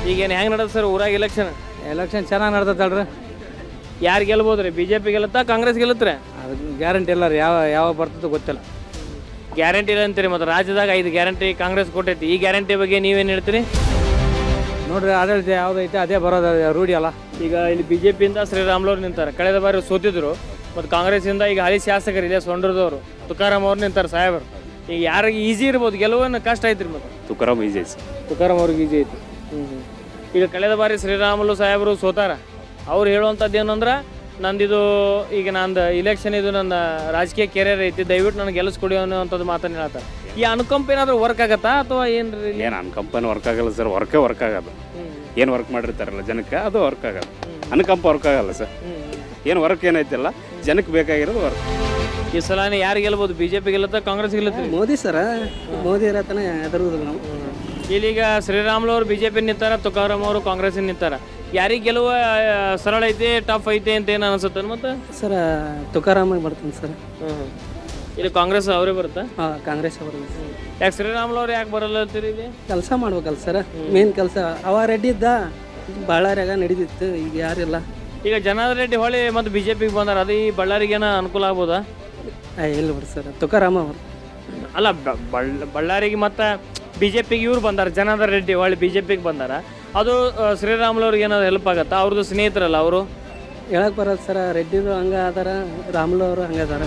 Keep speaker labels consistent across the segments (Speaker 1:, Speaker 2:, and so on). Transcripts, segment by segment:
Speaker 1: ಈಗೇನು ಹೆಂಗೆ ನಡೆದ ಸರ್ ಊರಾಗ
Speaker 2: ಎಲೆಕ್ಷನ್ ಚೆನ್ನಾಗಿ ನಡ್ದತ್ತಲ್ರಿ.
Speaker 1: ಯಾರು ಗೆಲ್ಬೋದು ರೀ? ಬಿ ಜೆ ಪಿ ಗೆಲ್ಲುತ್ತಾ ಕಾಂಗ್ರೆಸ್ ಗೆಲ್ಲುತ್ತಾರೆ?
Speaker 2: ಅದಕ್ಕೆ ಗ್ಯಾರಂಟಿ ಇಲ್ಲ ರೀ, ಯಾವ ಬರ್ತದೋ ಗೊತ್ತಿಲ್ಲ.
Speaker 1: ಗ್ಯಾರಂಟಿ ಇಲ್ಲ ಅಂತೀರಿ. ಮತ್ತು ರಾಜ್ಯದಾಗ 5 ಗ್ಯಾರಂಟಿ ಕಾಂಗ್ರೆಸ್ ಕೊಟ್ಟೈತಿ. ಈ ಗ್ಯಾರಂಟಿ ಬಗ್ಗೆ ನೀವೇನು ಹೇಳ್ತೀರಿ?
Speaker 2: ನೋಡ್ರಿ, ಆಡಳಿತ ಯಾವುದೈತೆ ಅದೇ ಬರೋದು, ರೂಢಿ ಅಲ್ಲ.
Speaker 1: ಈಗ ಇಲ್ಲಿ ಬಿ ಜೆ ಪಿಯಿಂದ ಶ್ರೀರಾಮ್ಲವ್ರು ನಿಂತಾರೆ. ಕಳೆದ ಬಾರಿ ಸೋತಿದ್ರು. ಮತ್ತು ಕಾಂಗ್ರೆಸ್ಸಿಂದ ಈಗ ಹಳಿ ಶಾಸಕರು ಇದೆ ಸೊಂಡ್ರದವರು ತುಕಾರಾಮ್ ಅವ್ರು ನಿಂತಾರೆ ಸಾಹೇಬರು. ಈಗ ಯಾರಿಗೆ ಈಸಿ ಇರ್ಬೋದು, ಗೆಲುವನ್ನು ಕಷ್ಟ ಐತ್ರಿ. ಮತ್ತು
Speaker 3: ತುಕಾರಾಮ್ ಈಜಿ ಐತಿ.
Speaker 1: ತುಕಾರಾಮ್ ಅವ್ರಿಗೆ ಈಜಿ ಐತಿ. ಈಗ ಕಳೆದ ಬಾರಿ ಶ್ರೀರಾಮುಲು ಸಾಹೇಬರು ಸೋತಾರ. ಅವ್ರು ಹೇಳುವಂಥದ್ದು ಏನಂದ್ರೆ, ನಂದಿದು ಈಗ ನಂದು ಇಲೆಕ್ಷನ್ ಇದು ನನ್ನ ರಾಜಕೀಯ ಕೆರಿಯರ್ ಐತಿ, ದಯವಿಟ್ಟು ನನಗೆ ಗೆಲ್ಲಿಸ್ಕೊಡಿ ಅನ್ನೋವಂಥದ್ದು ಮಾತನ್ನು ಹೇಳ್ತಾರೆ. ಈ ಅನುಕಂಪ ಏನಾದರೂ ವರ್ಕ್ ಆಗತ್ತಾ ಅಥವಾ ಏನು ರೀ?
Speaker 3: ಏನು ಅನುಕಂಪನ ವರ್ಕ್ ಆಗಲ್ಲ ಸರ್, ವರ್ಕ್ ಆಗಲ್ಲ. ಏನು ವರ್ಕ್ ಮಾಡಿರ್ತಾರಲ್ಲ ಜನಕ್ಕೆ ಅದು ವರ್ಕ್ ಆಗಲ್ಲ. ಅನುಕಂಪ ವರ್ಕ್ ಆಗಲ್ಲ ಸರ್. ಏನು ವರ್ಕ್ ಏನೈತಿಲ್ಲ, ಜನಕ್ಕೆ ಬೇಕಾಗಿರೋದು ವರ್ಕ್.
Speaker 1: ಈ ಸಲ ಯಾರು ಗೆಲ್ಬೋದು? ಬಿ ಜೆ ಪಿ ಗೆಲ್ಲುತ್ತಾ ಕಾಂಗ್ರೆಸ್ ಗೆಲ್ಲುತ್ತೆ?
Speaker 2: ಮೋದಿ ಸರ, ಮೋದಿ ಇರತನ ಹೆದರುವುದಿಲ್ಲ ನಾವು.
Speaker 1: ಇಲ್ಲೀಗ ಶ್ರೀರಾಮುಲು ಅವರು ಬಿ ಜೆ ಪಿ ನಿಂತಾರ, ತುಕಾರಾಮ್ ಅವರು ಕಾಂಗ್ರೆಸ್ ನಿಂತಾರ. ಯಾರಿಗೆ ಗೆಲುವ ಸರಳ ಐತೆ, ಟಫ್ ಐತೆ ಅಂತ ಏನು ಅನಿಸುತ್ತೆ? ಮತ್ತು
Speaker 2: ಸರ ತುಕಾರಾಮ ಬರ್ತಾನೆ ಸರ್.
Speaker 1: ಇಲ್ಲಿ ಕಾಂಗ್ರೆಸ್ ಅವರೇ ಬರುತ್ತಾ?
Speaker 2: ಕಾಂಗ್ರೆಸ್ ಬರುತ್ತೆ.
Speaker 1: ಯಾಕೆ ಶ್ರೀರಾಮುಲು ಅವ್ರು ಯಾಕೆ ಬರಲ್ಲ ಅಂತೀರಿ? ಇಲ್ಲಿ
Speaker 2: ಕೆಲಸ ಮಾಡ್ಬೇಕಲ್ಲ ಸರ್, ಮೇನ್ ಕೆಲಸ. ಅವ ರೆಡ್ಡಿ ಇದ್ದ, ಬಳ್ಳಾರಿಯಾಗ ನಡೀತಿತ್ತು, ಈಗ ಯಾರಿಲ್ಲ.
Speaker 1: ಈಗ ಜನಾರ್ದನ್ ರೆಡ್ಡಿ ಹೊಳಿ ಮತ್ತು ಬಿ ಜೆ ಪಿಗೆ ಬಂದಾರ. ಅದು ಈ ಬಳ್ಳಾರಿಗೇನ ಅನುಕೂಲ ಆಗ್ಬೋದಾ?
Speaker 2: ಇಲ್ಲ ಬಿಡಿ ಸರ್, ತುಕಾರಾಮ ಅವರು.
Speaker 1: ಅಲ್ಲ, ಬಳ್ಳಾರಿಗೆ ಮತ್ತು ಬಿ ಜೆ ಪಿಗೆ ಇವ್ರು ಬಂದಾರ, ಜನಾರ್ದನ್ ರೆಡ್ಡಿ ಹೊಳಿ ಬಿ ಜೆ ಪಿಗೆ ಬಂದಾರ. ಅದು ಶ್ರೀರಾಮುಲು ಅವ್ರಿಗೆ ಏನಾದ್ರು ಹೆಲ್ಪ್ ಆಗುತ್ತಾ? ಅವ್ರದ್ದು ಸ್ನೇಹಿತರಲ್ಲ ಅವರು.
Speaker 2: ಹೇಳಕ್ ಬರೋದು ಸರ, ರೆಡ್ಡಿದು ಹಂಗೆ ಅದಾರ, ರಾಮುಲು ಅವರು ಹಂಗೆ ಅದಾರ.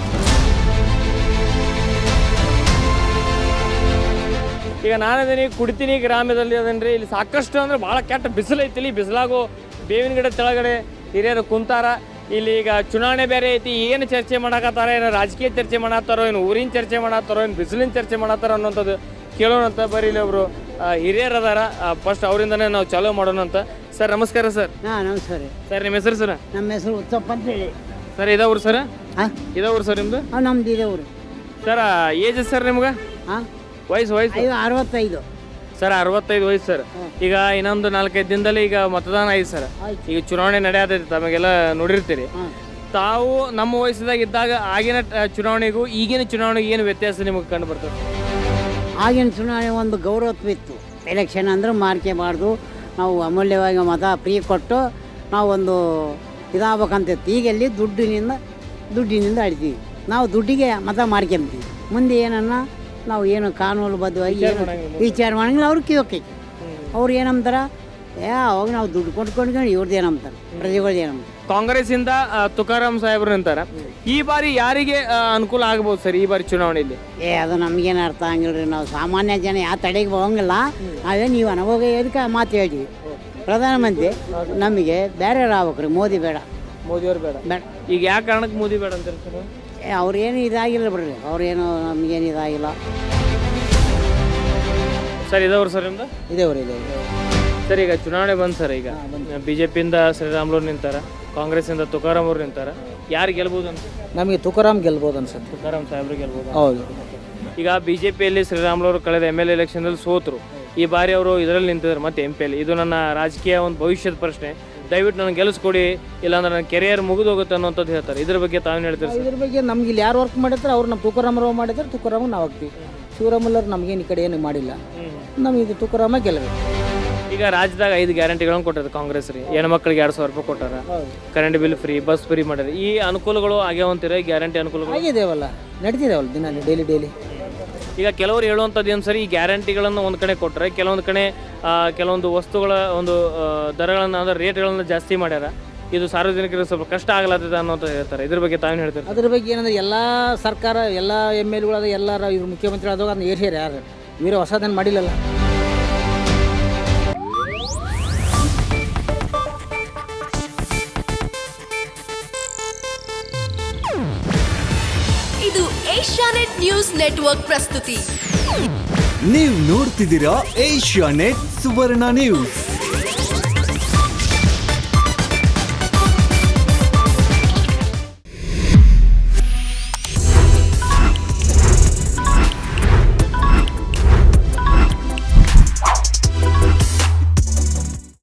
Speaker 1: ಈಗ ನಾನದೀನಿ ಕುಡಿತೀನಿ ಗ್ರಾಮದಲ್ಲಿ ಅದೇನ್ರಿ. ಇಲ್ಲಿ ಸಾಕಷ್ಟು ಅಂದರೆ ಭಾಳ ಕೆಟ್ಟ ಬಿಸಿಲು ಐತಿ. ಇಲ್ಲಿ ಬಿಸಿಲಾಗೋ ಬೇವಿನ ಗಿಡ ಕೆಳಗಡೆ ಹಿರಿಯರು ಕುಂತಾರ. ಇಲ್ಲಿ ಈಗ ಚುನಾವಣೆ ಬೇರೆ ಐತಿ. ಏನು ಚರ್ಚೆ ಮಾಡಕತ್ತಾರ? ಏನು ರಾಜಕೀಯ ಚರ್ಚೆ ಮಾಡತ್ತಾರೋ, ಏನು ಊರಿನ ಚರ್ಚೆ ಮಾಡತ್ತಾರೋ, ಏನು ಬಿಸಿಲಿನ ಚರ್ಚೆ ಮಾಡತ್ತಾರ ಅನ್ನೋಂಥದ್ದು ಕೇಳೋಣಂತ. ಬರೀ ಇಲ್ಲಿ ಒಬ್ಬರು ಹಿರಿಯರು ಅದಾರ. ಫಸ್ಟ್ ಅವರಿಂದನೇ ನಾವು ಚಾಲೂ ಮಾಡೋಣ ಅಂತ. ಸರ್ ನಮಸ್ಕಾರ ಸರ್.
Speaker 4: ನಮಸ್ಕಾರ
Speaker 1: ಸರ್ ನಿಮ್ಮ ಹೆಸರು ಸರ್?
Speaker 4: ನಮ್ಮ ಹೆಸರು ಉತ್ತಪ್ಪ ಅಂತ ಹೇಳಿ.
Speaker 1: ಸರ್ ಇದಾವ್ರು ಸರ್? ಇದಾವ್ರು ಸರ್ ನಿಮ್ಮದು?
Speaker 4: ನಮ್ದು ಇದೇವ್ರು
Speaker 1: ಸರ್. ಏಜ್ ಸರ್ ನಿಮ್ಗೆ? ವಯಸ್ಸು
Speaker 4: 65
Speaker 1: ಸರ್. 65 ವಯಸ್ಸು ಸರ್. ಈಗ ಇನ್ನೊಂದು 4-5 ದಿನದಲ್ಲಿ ಈಗ ಮತದಾನ ಐತಿ ಸರ್. ಈಗ ಚುನಾವಣೆ ನಡೆಯತೈತಿ, ತಮಗೆಲ್ಲ ನೋಡಿರ್ತೀರಿ. ತಾವು ನಮ್ಮ ವಯಸ್ಸದಾಗ ಇದ್ದಾಗ ಆಗಿನ ಚುನಾವಣೆಗೂ ಈಗಿನ ಚುನಾವಣೆಗೆ ಏನು ವ್ಯತ್ಯಾಸ ನಿಮಗೆ ಕಂಡು ಬರ್ತದೆ?
Speaker 4: ಆಗಿನ ಚುನಾವಣೆ ಒಂದು ಗೌರವತ್ವ ಇತ್ತು. ಎಲೆಕ್ಷನ್ ಅಂದ್ರೆ ಮಾರ್ಕೆಬಾರ್ದು, ನಾವು ಅಮೂಲ್ಯವಾಗಿ ಮತ ಫ್ರೀ ಕೊಟ್ಟು ನಾವು ಒಂದು ಇದಾಗಬೇಕಂತಿತ್ತು. ಈಗ ಎಲ್ಲಿ ದುಡ್ಡಿನಿಂದ ಆಡ್ತೀವಿ ನಾವು. ದುಡ್ಡಿಗೆ ಮತ ಮಾರ್ಕೊಂತೀವಿ. ಮುಂದೆ ಏನನ್ನ ನಾವು ಏನು ಕಾನೂನುಬದ್ಧವಾಗಿ ಏನು ವಿಚಾರ ಮಾಡಂಗಿಲ್ಲ. ಅವ್ರು ಕಿವಕೈತಿ. ಅವ್ರು ಏನಂತಾರೆ, ಅವಾಗ ನಾವು ದುಡ್ಡು ಕೊಟ್ಕೊಂಡು ಇವ್ರದ್ದು ಏನಂತಾರೆ, ಪ್ರಜೆಗಳ್ದು ಏನಂತಾರೆ.
Speaker 1: ಕಾಂಗ್ರೆಸ್ಸಿಂದ ತುಕಾರಾಮ್ ಸಾಹೇಬ್ರು ನಿಂತಾರ. ಈ ಬಾರಿ ಯಾರಿಗೆ ಅನುಕೂಲ ಆಗ್ಬೋದು ಸರ್ ಈ ಬಾರಿ ಚುನಾವಣೆಯಲ್ಲಿ?
Speaker 4: ಅದು ನಮಗೇನು ಅರ್ಥ ಆಗಿಲ್ಲ ರೀ. ನಾವು ಸಾಮಾನ್ಯ ಜನ ಯಾವ ತಡೆಗೆ ಹೋಗಂಗಿಲ್ಲ. ನಾವೇ ನೀವು ಅನುಭವ ಎದಕ್ಕೆ ಮಾತು ಹೇಳ್ತೀವಿ. ಪ್ರಧಾನಮಂತ್ರಿ ನಮಗೆ ಬೇರೆ ಆಗ್ಬೇಕ್ರಿ, ಮೋದಿ ಬೇಡ.
Speaker 1: ಮೋದಿಯವ್ರು ಬೇಡ? ಈಗ ಯಾವ ಕಾರಣಕ್ಕೆ ಮೋದಿ ಬೇಡ ಅಂತಾರೆ ಸರ್?
Speaker 4: ಅವ್ರೇನು ಇದಾಗಿಲ್ಲ ಬಿಡ್ರಿ, ಅವ್ರೇನು ನಮಗೇನು ಇದಾಗಿಲ್ಲ.
Speaker 1: ಸರ್ ಇದಾವ್ರು ಸರ್ ನಿಮ್ದು?
Speaker 4: ಇದೇವ್ರಿ
Speaker 1: ಸರ್. ಈಗ ಚುನಾವಣೆ ಬಂದು ಸರ್. ಈಗ ಬಿ ಜೆ ಪಿಯಿಂದ ಶ್ರೀರಾಮುಲು ನಿಂತಾರ, ಕಾಂಗ್ರೆಸ್ಸಿಂದ ತುಕಾರಾಮ್ ಅವ್ರು ನಿಂತಾರ. ಯಾರು ಗೆಲ್ಬೋದು ಅಂತ?
Speaker 2: ನಮಗೆ ತುಕಾರಾಮ್ ಗೆಲ್ಬೋದು ಅನ್ಸುತ್ತೆ.
Speaker 1: ತುಕಾರಾಮ್ ಸಾಹೇಬ್ರು ಗೆಲ್ಬೋದು.
Speaker 2: ಹೌದು. ಈಗ
Speaker 1: ಬಿ ಜೆ ಪಿಯಲ್ಲಿ ಶ್ರೀರಾಮುಲು ಅವರು ಕಳೆದ MLA ಎಲೆಕ್ಷನ್ದಲ್ಲಿ ಸೋತರು. ಈ ಬಾರಿ ಅವರು ಇದರಲ್ಲಿ ನಿಂತಿದ್ದಾರೆ ಮತ್ತೆ MP ಯಲ್ಲಿ. ಇದು ನನ್ನ ರಾಜಕೀಯ ಒಂದು ಭವಿಷ್ಯದ ಪ್ರಶ್ನೆ, ದಯವಿಟ್ಟು ನನಗೆ ಗೆಲ್ಲಿಸ್ಕೊಡಿ, ಇಲ್ಲಾಂದ್ರೆ ನನ್ನ ಕೆರಿಯರ್ ಮುಗಿದೋಗುತ್ತೆ ಅನ್ನೋಂಥದ್ದು ಹೇಳ್ತಾರೆ. ಇದ್ರ ಬಗ್ಗೆ ತಾವೇನು ಹೇಳ್ತೀರಿ ಸರ್?
Speaker 2: ಇದ್ರ ಬಗ್ಗೆ ನಮ್ಗೆ ಇಲ್ಲಿ ಯಾರು ವರ್ಕ್ ಮಾಡಿದ್ರೆ ಅವ್ರು ನಮ್ಮ ತುಕಾರಾಮರಾವ್ ಮಾಡಿದ್ರೆ ತುಕಾರಾಮ ನಾವು ಹಾಕ್ತೀವಿ. ಶಿವರಾಮುಲ್ಲರು ನಮಗೇನು ಈ ಕಡೆ ಏನು ಮಾಡಿಲ್ಲ. ನಮಗೆ ಇದು ತುಕಾರಾಮ ಗೆಲ್ಲಬೇಕು.
Speaker 1: ಈಗ ರಾಜ್ಯದಾಗ 5 ಗ್ಯಾರಂಟಿಗಳನ್ನು ಕೊಟ್ಟರೆ ಕಾಂಗ್ರೆಸ್ ರೀ. ಹೆಣ್ಮಕ್ಳಿಗೆ 2,000 ರೂಪಾಯಿ ಕೊಟ್ಟಾರ, current bill free, bus free ಮಾಡ್ಯಾರ. ಈ ಅನುಕೂಲಗಳು ಆಗ್ಯಾವಂತೀರ? ಗ್ಯಾರಂಟಿ ಅನುಕೂಲಗಳು
Speaker 2: ಆಗಿದೇವಲ್ಲ, ನಡೀತಿದೇವಲ್ಲ ದಿನ ಡೈಲಿ.
Speaker 1: ಈಗ ಕೆಲವರು ಹೇಳುವಂಥದ್ದು ಏನು ಸರಿ, ಈ ಗ್ಯಾರಂಟಿಗಳನ್ನು ಒಂದು ಕಡೆ ಕೊಟ್ಟರೆ ಕೆಲವೊಂದು ಕಡೆ ಕೆಲವೊಂದು ವಸ್ತುಗಳ ಒಂದು ದರಗಳನ್ನು ಅಂದರೆ ರೇಟ್ಗಳನ್ನು ಜಾಸ್ತಿ ಮಾಡ್ಯಾರ. ಇದು ಸಾರ್ವಜನಿಕರಿಗೆ ಸ್ವಲ್ಪ ಕಷ್ಟ ಆಗ್ಲತ್ತದ ಅನ್ನೋಂತ ಹೇಳ್ತಾರೆ. ಇದ್ರ ಬಗ್ಗೆ ತಾವೇನು ಹೇಳ್ತಾರೆ?
Speaker 2: ಅದ್ರ ಬಗ್ಗೆ ಏನಂದ್ರೆ ಎಲ್ಲ ಸರ್ಕಾರ ಎಲ್ಲ MLAಗಳು ಎಲ್ಲರ ಇವ್ರು ಮುಖ್ಯಮಂತ್ರಿ ಆದಾಗ ಅದನ್ನ ಏರ್ಸ್ಯಾರ. ಯಾರು ಇವರು ಹೊಸದನ್ನು ಮಾಡಿಲ್ಲಲ್ಲ.
Speaker 5: ಇದು ಏಷ್ಯಾನೆಟ್ ನ್ಯೂಸ್ ನೆಟ್ವರ್ಕ್ ಪ್ರಸ್ತುತಿ.
Speaker 6: ನೀವು ನೋಡ್ತಿದ್ದೀರಾ ಏಷ್ಯಾನೆಟ್ ಸುವರ್ಣ ನ್ಯೂಸ್.